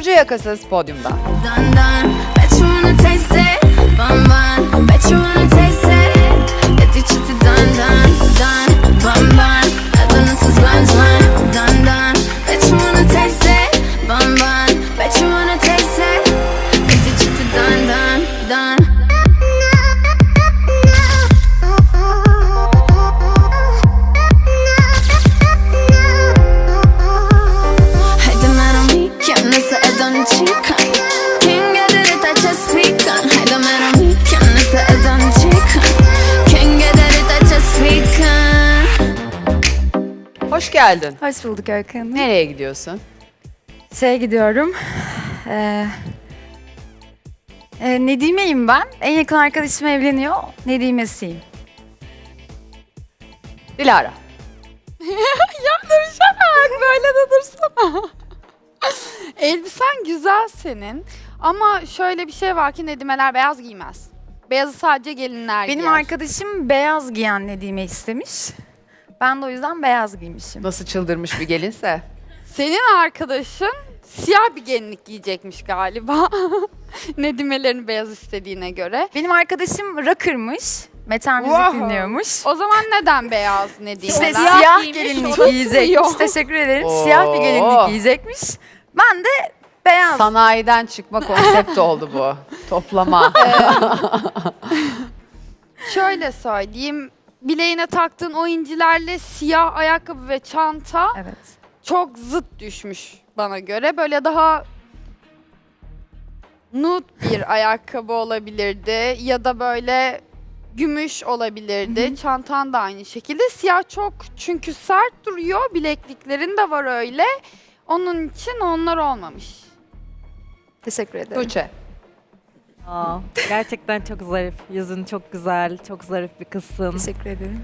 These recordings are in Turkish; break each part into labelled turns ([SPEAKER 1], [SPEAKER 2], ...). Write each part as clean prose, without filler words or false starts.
[SPEAKER 1] Burcu Yakasız podyumda.
[SPEAKER 2] Dun dun, bet you wanna taste it. Bun bun, bet you wanna taste it. Get your chick to dun dun dun, bun bun. Adınızsız bun bun, dun dun. Bet you wanna taste it. Bun bun, bet you wanna taste it. Get your chick to dun dun dun. Haydi merami, kim nasıl edon chica. King eder it, I just speak on. Haydi merami, kim nasıl edon chica. King eder it, I just speak on.
[SPEAKER 1] Hoş geldin.
[SPEAKER 3] Hoş bulduk Öykü Hanım.
[SPEAKER 1] Nereye gidiyorsun?
[SPEAKER 3] Gidiyorum. Nedime'yim ben. En yakın arkadaşım evleniyor. Nedime'siyim.
[SPEAKER 1] Dilara.
[SPEAKER 4] Böyle de dursana. Elbisen güzel senin. Ama şöyle bir şey var ki Nedimeler beyaz giymez. Beyazı sadece gelinler
[SPEAKER 3] Benim
[SPEAKER 4] giyer.
[SPEAKER 3] arkadaşım beyaz giyen Nedime istemiş. Ben de o yüzden beyaz giymişim.
[SPEAKER 1] Nasıl çıldırmış bir gelinse.
[SPEAKER 4] Senin arkadaşın siyah bir gelinlik giyecekmiş galiba. Nedimelerin beyaz istediğine göre.
[SPEAKER 3] Benim arkadaşım rocker'mış. Metal müzik
[SPEAKER 4] Wow.
[SPEAKER 3] dinliyormuş.
[SPEAKER 4] O zaman neden beyaz Nedimeler?
[SPEAKER 3] İşte siyah
[SPEAKER 4] giymiş,
[SPEAKER 3] gelinlik
[SPEAKER 4] onu
[SPEAKER 3] giyecekmiş.
[SPEAKER 4] tutuyor.
[SPEAKER 3] Teşekkür ederim.
[SPEAKER 1] Oo.
[SPEAKER 3] Siyah bir gelinlik giyecekmiş. Ben de beyaz.
[SPEAKER 1] Sanayiden çıkma konsept oldu bu. Toplama.
[SPEAKER 4] Şöyle söyleyeyim. Bileğine taktığın o incilerle siyah ayakkabı ve çanta
[SPEAKER 3] Evet.
[SPEAKER 4] çok zıt düşmüş bana göre. Böyle daha nude bir ayakkabı olabilirdi ya da böyle gümüş olabilirdi. Çantan da aynı şekilde. Siyah çok çünkü sert duruyor. Bilekliklerin de var öyle. Onun için onlar olmamış.
[SPEAKER 3] Teşekkür ederim.
[SPEAKER 1] Tuğçe.
[SPEAKER 5] Aa, gerçekten çok zarif. Yüzün çok güzel, çok zarif bir kızsın.
[SPEAKER 3] Teşekkür ederim.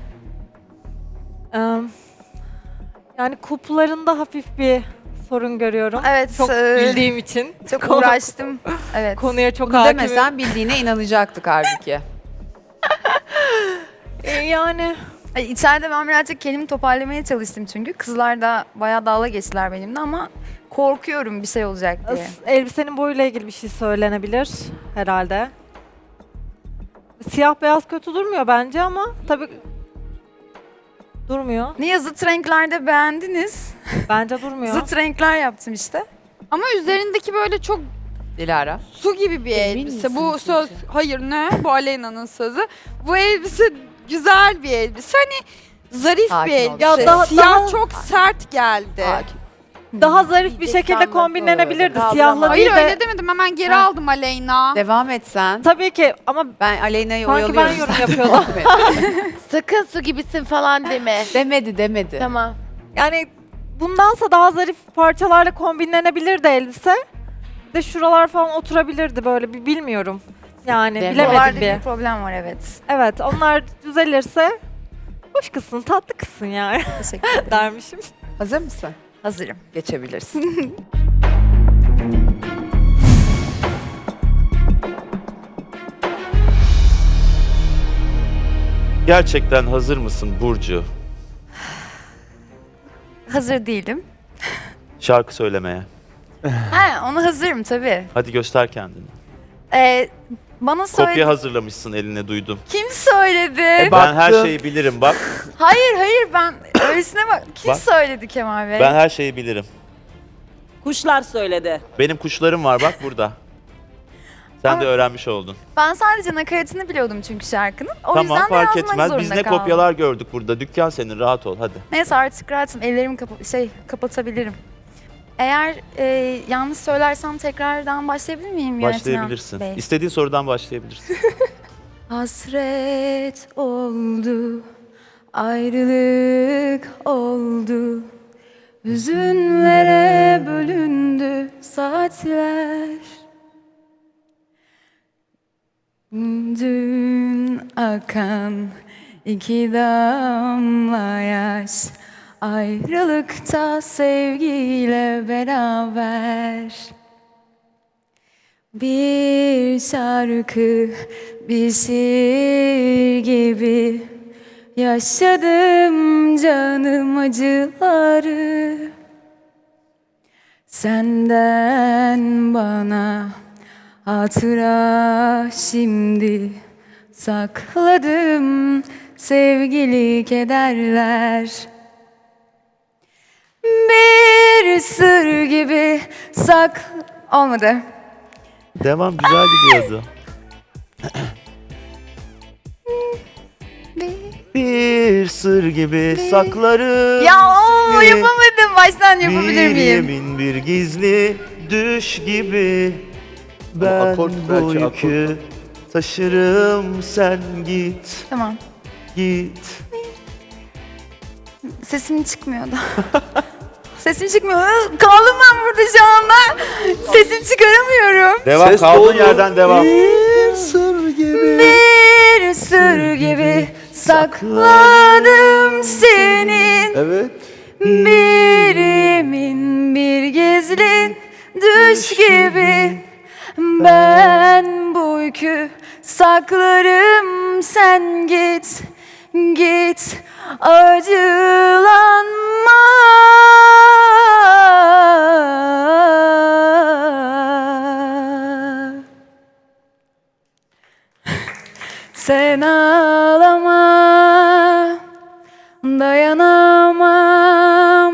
[SPEAKER 5] Yani kuplarında hafif bir sorun görüyorum.
[SPEAKER 3] Evet.
[SPEAKER 5] Çok bildiğim için.
[SPEAKER 3] Çok uğraştım. Evet.
[SPEAKER 5] Konuya çok
[SPEAKER 1] Bunu
[SPEAKER 5] hakimim.
[SPEAKER 1] demesen bildiğine inanacaktık halbuki.
[SPEAKER 5] Yani
[SPEAKER 3] Ay, İçeride ben birazcık kendimi toparlamaya çalıştım çünkü. Kızlar da bayağı dalga geçtiler benimle ama korkuyorum bir şey olacak diye.
[SPEAKER 5] elbisenin boyuyla ilgili bir şey söylenebilir herhalde. Siyah beyaz kötü durmuyor bence ama tabii durmuyor.
[SPEAKER 3] Niye zıt renklerde beğendiniz?
[SPEAKER 5] Bence durmuyor.
[SPEAKER 3] Zıt renkler yaptım işte.
[SPEAKER 4] Ama üzerindeki böyle çok
[SPEAKER 1] Dilara.
[SPEAKER 4] su gibi bir elbise. Bu söz, hayır ne? Bu Aleyna'nın sözü. Bu elbise güzel bir elbise. Hani zarif
[SPEAKER 1] Sakin
[SPEAKER 4] bir
[SPEAKER 1] ol.
[SPEAKER 4] elbise.
[SPEAKER 5] Ya daha-
[SPEAKER 4] Siyah
[SPEAKER 5] daha-
[SPEAKER 4] çok sert geldi.
[SPEAKER 1] Sakin.
[SPEAKER 5] Daha zarif bir şekilde kombinlenebilirdi. Siyahla
[SPEAKER 4] Hayır
[SPEAKER 5] değil de.
[SPEAKER 4] öyle demedim. Hemen geri aldım Aleyna.
[SPEAKER 1] Devam et sen.
[SPEAKER 5] Tabii ki ama
[SPEAKER 1] Ben Aleyna'yı
[SPEAKER 5] Sanki
[SPEAKER 1] oyalıyorum.
[SPEAKER 5] ben yorum yapıyordum.
[SPEAKER 6] Sakın su gibisin falan deme.
[SPEAKER 1] Demedi.
[SPEAKER 6] Tamam.
[SPEAKER 5] yani bundansa daha zarif parçalarla kombinlenebilirdi elbise. Bir de şuralar falan oturabilirdi böyle bir bilmiyorum. Yani
[SPEAKER 6] Değil mi?
[SPEAKER 5] bilemedim
[SPEAKER 3] Oralarda
[SPEAKER 5] bir.
[SPEAKER 3] bir problem var evet.
[SPEAKER 5] Evet onlar düzelirse hoş kızsın, tatlı kızsın yani
[SPEAKER 3] Teşekkür ederim.
[SPEAKER 5] dermişim.
[SPEAKER 1] Hazır mısın?
[SPEAKER 3] Hazırım.
[SPEAKER 1] Geçebilirsin.
[SPEAKER 7] Gerçekten hazır mısın Burcu?
[SPEAKER 3] Hazır değilim.
[SPEAKER 7] Şarkı söylemeye.
[SPEAKER 3] Onu hazırım tabii.
[SPEAKER 7] Hadi göster kendini.
[SPEAKER 3] Bana söyle.
[SPEAKER 7] Kopya hazırlamışsın eline duydum.
[SPEAKER 3] Kim söyledi?
[SPEAKER 7] Ben her şeyi bilirim bak.
[SPEAKER 3] Hayır ben öylesine bak. Kim
[SPEAKER 7] Bak.
[SPEAKER 3] söyledi Kemal Bey?
[SPEAKER 7] Ben her şeyi bilirim.
[SPEAKER 8] Kuşlar söyledi.
[SPEAKER 7] Benim kuşlarım var bak burada. Sen de öğrenmiş oldun.
[SPEAKER 3] Ben sadece nakaratını biliyordum çünkü şarkının. O
[SPEAKER 7] Tamam
[SPEAKER 3] yüzden de
[SPEAKER 7] fark
[SPEAKER 3] yazmak
[SPEAKER 7] etmez.
[SPEAKER 3] zorunda
[SPEAKER 7] Biz ne
[SPEAKER 3] kaldım.
[SPEAKER 7] kopyalar gördük burada. Dükkan senin rahat ol hadi.
[SPEAKER 3] Neyse artık rahatım. Ellerimi kapatabilirim. Eğer yanlış söylersem tekrardan başlayabilir miyim yönetmen
[SPEAKER 7] Başlayabilirsin.
[SPEAKER 3] Bey?
[SPEAKER 7] İstediğin sorudan başlayabilirsin.
[SPEAKER 3] Hasret oldu, ayrılık oldu. Hüzünlere bölündü saatler. Dün akan iki damla yaş, ayrılıkta sevgiyle beraber. Bir şarkı, bir şiir gibi yaşadım canım acıları. Senden bana hatıra şimdi sakladım sevgili kederler. Bir sır gibi olmadı.
[SPEAKER 7] Devam güzel gidiyordu. Bir sır gibi saklarım.
[SPEAKER 3] Ya o
[SPEAKER 7] seni.
[SPEAKER 3] yapamadım. Baştan yapabilir
[SPEAKER 7] Bir
[SPEAKER 3] miyim?
[SPEAKER 7] yemin bir gizli düş gibi. Ben
[SPEAKER 9] akort,
[SPEAKER 7] bu
[SPEAKER 9] belki
[SPEAKER 7] yükü taşırım, sen git,
[SPEAKER 3] Tamam.
[SPEAKER 7] git.
[SPEAKER 3] Sesim çıkmıyor da. Sesim çıkmıyor. Kaldım ben burada şu anda. Sesim çıkaramıyorum.
[SPEAKER 7] Devam,
[SPEAKER 9] Ses
[SPEAKER 7] kaldığın
[SPEAKER 9] doğru.
[SPEAKER 7] yerden devam.
[SPEAKER 9] Bir sır gibi.
[SPEAKER 3] Bir sır gibi sakladım senin.
[SPEAKER 9] Evet.
[SPEAKER 3] Bir yemin bir gizli düş gibi. Ben bu yükü saklarım, sen git, git, acılanma. Sen ağlama, dayanamam.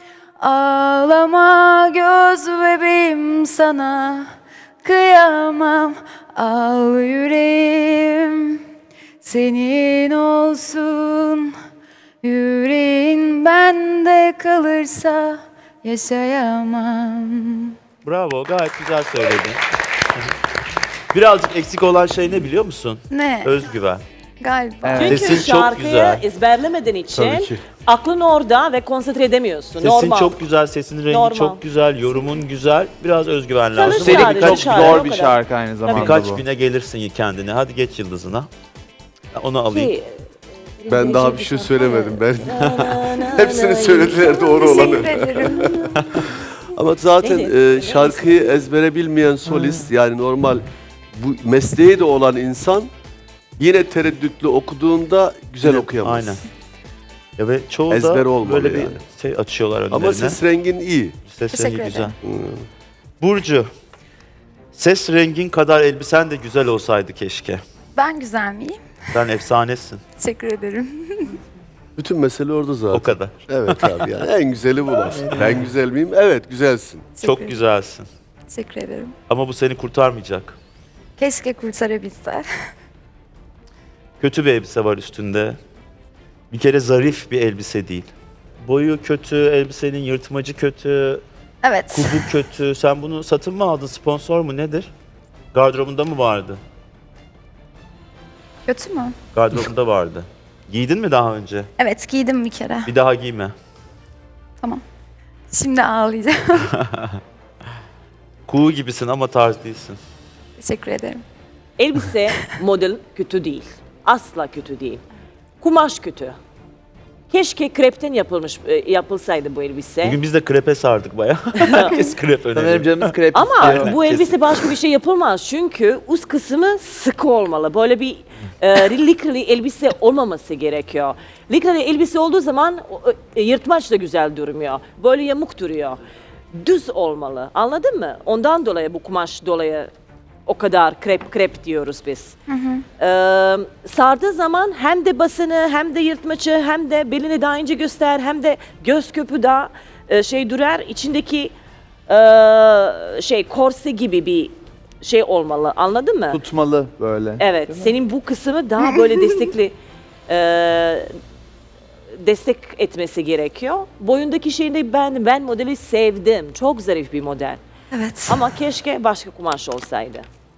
[SPEAKER 3] Ağlama göz bebeğim, sana kıyamam. Al yüreğim senin olsun. Yüreğin bende kalırsa yaşayamam.
[SPEAKER 7] Bravo, gayet güzel söyledin. Birazcık eksik olan şey ne biliyor musun?
[SPEAKER 3] Ne?
[SPEAKER 7] Özgüven.
[SPEAKER 3] Galiba.
[SPEAKER 8] Çünkü
[SPEAKER 7] Sesin çok
[SPEAKER 8] şarkıyı
[SPEAKER 7] güzel.
[SPEAKER 8] ezberlemediğin için
[SPEAKER 9] Tabii ki.
[SPEAKER 8] aklın orada ve konsantre edemiyorsun.
[SPEAKER 7] Sesin
[SPEAKER 8] Normal.
[SPEAKER 7] çok güzel, sesin rengi
[SPEAKER 8] Normal.
[SPEAKER 7] çok güzel, yorumun güzel. Biraz özgüven lazım.
[SPEAKER 8] Çalış
[SPEAKER 10] Üstelik
[SPEAKER 8] sadece,
[SPEAKER 10] çok
[SPEAKER 8] şarkı,
[SPEAKER 10] zor
[SPEAKER 8] o
[SPEAKER 10] bir
[SPEAKER 8] kadar.
[SPEAKER 10] şarkı aynı zamanda
[SPEAKER 7] Birkaç
[SPEAKER 10] bu.
[SPEAKER 7] bine gelirsin kendine. Hadi geç yıldızına. Onu alayım.
[SPEAKER 8] Ki,
[SPEAKER 9] Ben daha bir şey söylemedim. Ben hepsini söylediler doğru olanı.
[SPEAKER 3] Teşekkür ederim.
[SPEAKER 9] Ama zaten
[SPEAKER 8] Neydi?
[SPEAKER 9] şarkıyı ezbere bilmeyen solist yani normal bu mesleği de olan insan yine tereddütlü okuduğunda güzel
[SPEAKER 7] Yine-
[SPEAKER 9] okuyamaz.
[SPEAKER 7] Aynen. Ya ve çoğu
[SPEAKER 9] Ezber
[SPEAKER 7] da
[SPEAKER 9] olmalı
[SPEAKER 7] böyle
[SPEAKER 9] yani.
[SPEAKER 7] bir şey açıyorlar önlerine.
[SPEAKER 9] Ama ses rengin iyi.
[SPEAKER 7] Ses
[SPEAKER 3] Teşekkür
[SPEAKER 7] rengi güzel.
[SPEAKER 3] ederim.
[SPEAKER 7] Burcu, ses rengin kadar elbisen de güzel olsaydı keşke.
[SPEAKER 3] Ben güzel miyim?
[SPEAKER 7] Sen efsanesin.
[SPEAKER 3] Teşekkür ederim.
[SPEAKER 9] Bütün mesele orada zaten.
[SPEAKER 7] O kadar.
[SPEAKER 9] Evet abi yani en güzeli bu laf. Ben güzel miyim? Evet güzelsin.
[SPEAKER 7] Çok güzelsin.
[SPEAKER 3] Teşekkür ederim.
[SPEAKER 7] Ama bu seni kurtarmayacak.
[SPEAKER 3] Keşke kurtarabilse.
[SPEAKER 7] Kötü bir elbise var üstünde. Bir kere zarif bir elbise değil. Boyu kötü, elbisenin yırtmacı kötü,
[SPEAKER 3] Evet.
[SPEAKER 7] kubu kötü. Sen bunu satın mı aldın, sponsor mu nedir? Gardırobunda mı vardı?
[SPEAKER 3] Kötü mü?
[SPEAKER 7] Gardırobunda vardı. Giydin mi daha önce?
[SPEAKER 3] Evet, giydim bir kere.
[SPEAKER 7] Bir daha giyme.
[SPEAKER 3] Şimdi ağlayacağım.
[SPEAKER 7] Kuğu gibisin ama tarz değilsin.
[SPEAKER 3] Teşekkür ederim.
[SPEAKER 8] elbise model kötü değil. Asla kötü değil. Kumaş kötü. Keşke krepten yapılsaydı bu elbise.
[SPEAKER 7] Bugün biz de krepe sardık bayağı. Herkes krep
[SPEAKER 10] Sanırım
[SPEAKER 7] öneriyor.
[SPEAKER 10] canımız krep
[SPEAKER 8] Ama
[SPEAKER 10] istiyor.
[SPEAKER 8] bu elbise başka bir şey yapılmaz. Çünkü üst kısmı sıkı olmalı. Böyle bir likralı elbise olmaması gerekiyor. Likralı elbise olduğu zaman yırtmaç da güzel durmuyor. Böyle yamuk duruyor. Düz olmalı. Anladın mı? Ondan dolayı bu kumaş dolayı o kadar krep diyoruz biz. Sardığı zaman hem de basını hem de yırtmaçı hem de belini daha ince göster hem de göz köpü daha şey durar. İçindeki korse gibi bir şey olmalı. Anladın mı?
[SPEAKER 10] Tutmalı böyle.
[SPEAKER 8] Evet. Senin bu kısmı daha böyle destek etmesi gerekiyor. Boyundaki şeyini de beğendim. Ben modeli sevdim. Çok zarif bir model.
[SPEAKER 3] Evet.
[SPEAKER 8] Ama keşke başka kumaş olsaydı.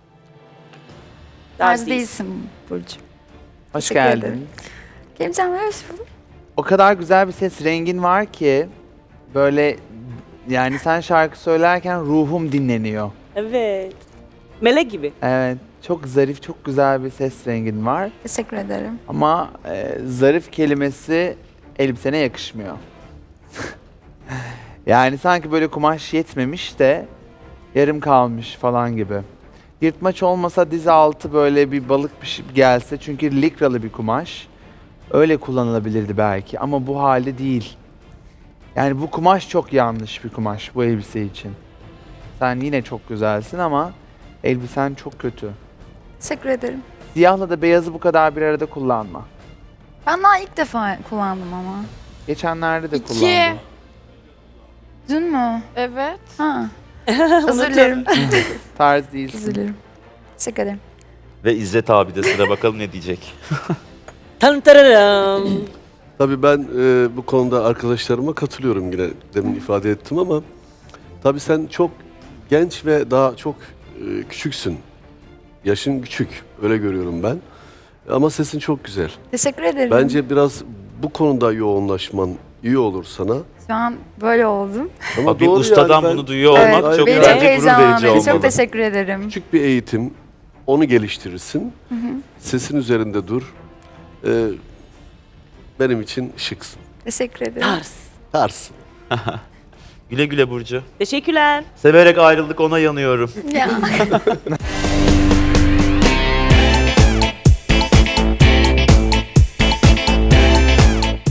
[SPEAKER 3] Tarz
[SPEAKER 8] Tarz değil.
[SPEAKER 3] değilsin Burcu.
[SPEAKER 10] Hoş
[SPEAKER 3] Teşekkür
[SPEAKER 10] geldin.
[SPEAKER 3] ederim. Geleceğim, hoş bulduk.
[SPEAKER 10] O kadar güzel bir ses rengin var ki böyle yani sen şarkı söylerken ruhum dinleniyor.
[SPEAKER 8] Evet. Melek gibi.
[SPEAKER 10] Evet. Çok zarif, çok güzel bir ses rengin var.
[SPEAKER 3] Teşekkür ederim.
[SPEAKER 10] Ama zarif kelimesi elbisene yakışmıyor. Yani sanki böyle kumaş yetmemiş de yarım kalmış falan gibi. Yırtmaç olmasa diz altı böyle bir balık bir şey gelse çünkü likralı bir kumaş. Öyle kullanılabilirdi belki ama bu halde değil. Yani bu kumaş çok yanlış bir kumaş bu elbise için. Sen yine çok güzelsin ama elbisen çok kötü.
[SPEAKER 3] Teşekkür ederim.
[SPEAKER 10] Siyahla da beyazı bu kadar bir arada kullanma.
[SPEAKER 3] Ben daha ilk defa kullandım ama.
[SPEAKER 10] Geçenlerde de
[SPEAKER 4] İki.
[SPEAKER 10] kullandım.
[SPEAKER 3] Dün mü?
[SPEAKER 4] Evet.
[SPEAKER 3] Ha. Özür dilerim.
[SPEAKER 10] Tarz değilsin.
[SPEAKER 3] Özür dilerim. Teşekkür ederim.
[SPEAKER 7] Ve İzzet abi de sıra bakalım ne diyecek.
[SPEAKER 8] Tan tararam.
[SPEAKER 9] Tabii ben bu konuda arkadaşlarıma katılıyorum, yine demin ifade ettim ama tabii sen çok genç ve daha çok küçüksün. Yaşın küçük, öyle görüyorum ben. Ama sesin çok güzel.
[SPEAKER 3] Teşekkür ederim.
[SPEAKER 9] Bence biraz bu konuda yoğunlaşman iyi olur sana.
[SPEAKER 3] Şu an böyle oldum.
[SPEAKER 9] Ama
[SPEAKER 7] Bak, bir
[SPEAKER 9] doğru
[SPEAKER 7] ustadan
[SPEAKER 9] yani ben
[SPEAKER 7] bunu duyuyor olmak
[SPEAKER 9] Evet,
[SPEAKER 7] çok
[SPEAKER 3] Beni
[SPEAKER 9] bence
[SPEAKER 3] çok
[SPEAKER 7] gurur verici
[SPEAKER 3] heyecanlandırdı.
[SPEAKER 7] olmalı.
[SPEAKER 3] Çok teşekkür ederim.
[SPEAKER 9] küçük bir eğitim, onu geliştirirsin. Sesin üzerinde dur. Benim için şıksın.
[SPEAKER 3] Teşekkür ederim.
[SPEAKER 8] Tars.
[SPEAKER 9] Tarsın.
[SPEAKER 7] Güle güle Burcu.
[SPEAKER 8] Teşekkürler.
[SPEAKER 7] Severek ayrıldık, ona yanıyorum.
[SPEAKER 3] Ya.